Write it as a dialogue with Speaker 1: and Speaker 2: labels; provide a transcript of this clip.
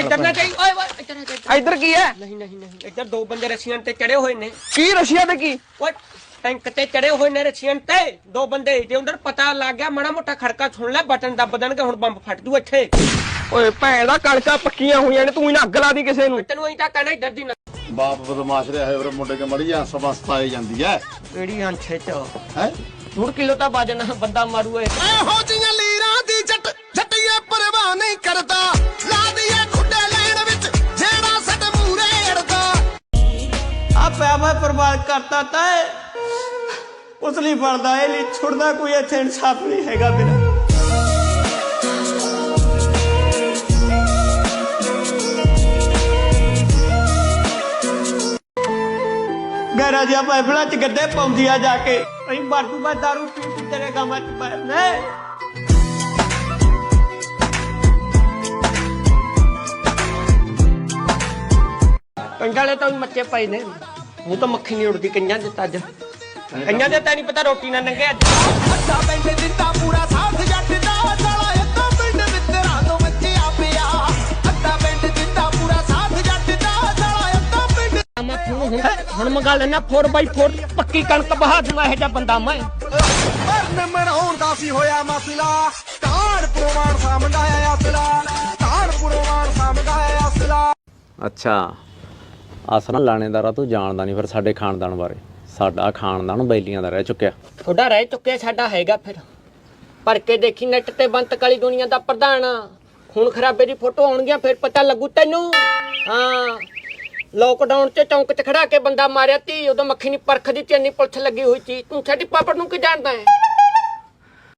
Speaker 1: ਇੱਧਰ ਨਾ ਜਾਈ ਓਏ ਓਏ
Speaker 2: ਇੱਧਰ ਕੀ ਹੈ?
Speaker 1: ਨਹੀਂ ਨਹੀਂ ਨਹੀਂ ਇੱਧਰ ਦੋ ਬੰਦੇ ਰਸ਼ੀਅਨ ਤੇ ਚੜੇ ਹੋਏ ਨੇ।
Speaker 2: ਕੀ ਰਸ਼ੀਆ ਤੇ ਕੀ?
Speaker 1: ਓਏ ਟੈਂਕ ਤੇ ਚੜੇ ਹੋਏ ਨੇ ਰਸ਼ੀਅਨ ਤੇ ਦੋ ਬੰਦੇ। ਜੇ ਉਧਰ ਪਤਾ ਲੱਗ ਗਿਆ ਮਾੜਾ ਮੋਟਾ ਖੜਕਾ ਸੁਣ ਲੈ ਬਟਨ ਦੱਬ ਦੇਣਗੇ ਹੁਣ ਬੰਬ ਫਟ ਜੂ ਇੱਥੇ।
Speaker 2: ਓਏ ਭੈਣ ਦਾ ਕਣਕਾਂ ਪੱਕੀਆਂ ਹੋਈਆਂ ਨੇ ਤੂੰ ਇਹਨਾਂ ਅੱਗ ਲਾ ਦੀ ਕਿਸੇ ਨੂੰ।
Speaker 1: ਤੈਨੂੰ ਅਸੀਂ ਤਾਂ ਕਹਿਣਾ ਇੱਧਰ ਦੀ ਨਾ
Speaker 3: ਬਾਪ ਬਦਮਾਸ਼ ਰਿਹਾ ਹੈ ਮੁੰਡੇ ਕੇ ਮੜੀ ਜਾਂ ਸਵਸਥਾ ਆਈ ਜਾਂਦੀ ਹੈ
Speaker 1: ਕਿਹੜੀ ਅੰਛੇ ਚ
Speaker 3: ਹੈ
Speaker 1: 2 ਕਿਲੋ ਤਾਂ ਵਜਨ ਬੰਦਾ ਮਾਰੂ ਏ।
Speaker 4: ਇਹੋ ਜੀਆਂ ਲੀਰਾਂ ਦੀ ਜੱਟੀਏ ਪਰਵਾਹ ਨਹੀਂ ਕਰਦਾ ਲਾ ਦੀਏ ਖੁੱਡੇ ਲੈਣ ਵਿੱਚ ਜਿਹੜਾ ਸੱਟ ਮੂਰੇ ਅੜਦਾ
Speaker 5: ਆ ਪੈਵਾ ਬਰਬਾਦ ਕਰਤਾ ਤਾ ਉਸ ਲਈ ਬਣਦਾ ਇਹ ਲਈ ਛੁੱਟਦਾ ਕੋਈ ਇੱਥੇ ਇਨਸਾਫ ਨਹੀਂ ਹੈਗਾ ਮੇਰਾ। ਗੈਰਾ ਜਿਹਾ ਪਾਈਪਲਾਂ ਚ ਗੱਡੇ ਪਾਉਂਦੀ ਆ ਜਾ ਕੇ ਅਸੀਂ ਬਾਟੂ ਬਾ ਦਾਰੂ ਪੀ ਪੀ ਤੇਰੇ ਗਾਵਾਂ ਚ ਪਾਇਆ ਨੇ।
Speaker 1: ਕੰਡਾਲੇ ਤਾਂ ਵੀ ਮੱਚੇ ਪਏ ਨੇ ਉਹ ਤਾਂ ਮੱਖੀ ਨਹੀਂ ਉੜਦੀ ਕਈਆਂ ਦੇ ਤਾਂ ਅੱਜ ਕਈਆਂ ਦੇ ਤਾਂ ਨਹੀਂ ਪਤਾ ਰੋਟੀ ਨਾ ਨੰਗੇ ਅੱਜ।
Speaker 4: ਅੱਧਾ ਪਿੰਡ ਦਿੱਤਾ ਪੂਰਾ ਸਾਥ ਜੱਟ ਦਾ ਸਾਲਾ ਅੱਧਾ ਪਿੰਡ ਮਿੱਤਰਾਂ ਤੋਂ ਮੱਚਿਆ ਪਿਆ ਅੱਧਾ ਪਿੰਡ ਦਿੱਤਾ ਪੂਰਾ ਸਾਥ ਜੱਟ ਦਾ ਸਾਲਾ ਅੱਧਾ ਪਿੰਡ
Speaker 1: ਹੁਣ ਮੰਗਾ ਲੈਣਾ 4x4 ਪੱਕੀ ਕਣਕ ਬਹਾ ਦੂੰਗਾ ਇਹ ਜਿਹਾ ਬੰਦਾ ਮੈਂ।
Speaker 4: ਮਰਨ ਮਰਾਉਣ ਦਾ ਸੀ ਹੋਇਆ ਮਸਲਾ ਕਾੜ ਪ੍ਰਵਾਨ ਸਾਹਮਣਾ ਆਇਆ ਅਸਲਾ ਕਾੜ ਪ੍ਰਵਾਨ ਸਾਹਮਣਾ ਆਇਆ ਅਸਲਾ।
Speaker 6: ਅੱਛਾ ਆਸਰਾ ਲਾਣੇਦਾਰਾ ਤੂੰ ਜਾਣਦਾ ਨਹੀਂ ਫਿਰ ਸਾਡੇ ਖਾਨਦਾਨ ਬਾਰੇ। ਸਾਡਾ ਖਾਨਦਾਨ ਬੈਲੀਆਂ ਦਾ ਰਹਿ ਚੁੱਕਿਆ।
Speaker 1: ਤੁਹਾਡਾ ਰਹਿ ਚੁੱਕਿਆ ਸਾਡਾ ਹੈਗਾ ਫਿਰ ਪਰ ਕੇ ਦੇਖੀ ਨੈਟ ਤੇ ਬੰਤ ਕਾਲੀ ਦੁਨੀਆ ਦਾ ਪ੍ਰਧਾਨ ਖੂਨ ਖਰਾਬੇ ਦੀ ਫੋਟੋ ਆਉਣਗੀਆਂ ਫਿਰ ਪਤਾ ਲੱਗੂ ਤੈਨੂੰ। ਹਾਂ ਲੋਕਡਾਊਨ 'ਚ ਚੌਂਕ 'ਚ ਖੜਾ ਕੇ ਬੰਦਾ ਮਾਰਿਆ ਤੀ ਉਦੋਂ ਮੱਖੀ ਨਹੀਂ ਪਰਖ ਦੀ ਚੰਨੀ ਪੁਲਿਸ ਲੱਗੀ ਹੋਈ ਸੀ। ਤੂੰ ਸਾਡੀ ਪਾਪੜ ਨੂੰ ਕੀ ਜਾਣਦਾ ਹੈ?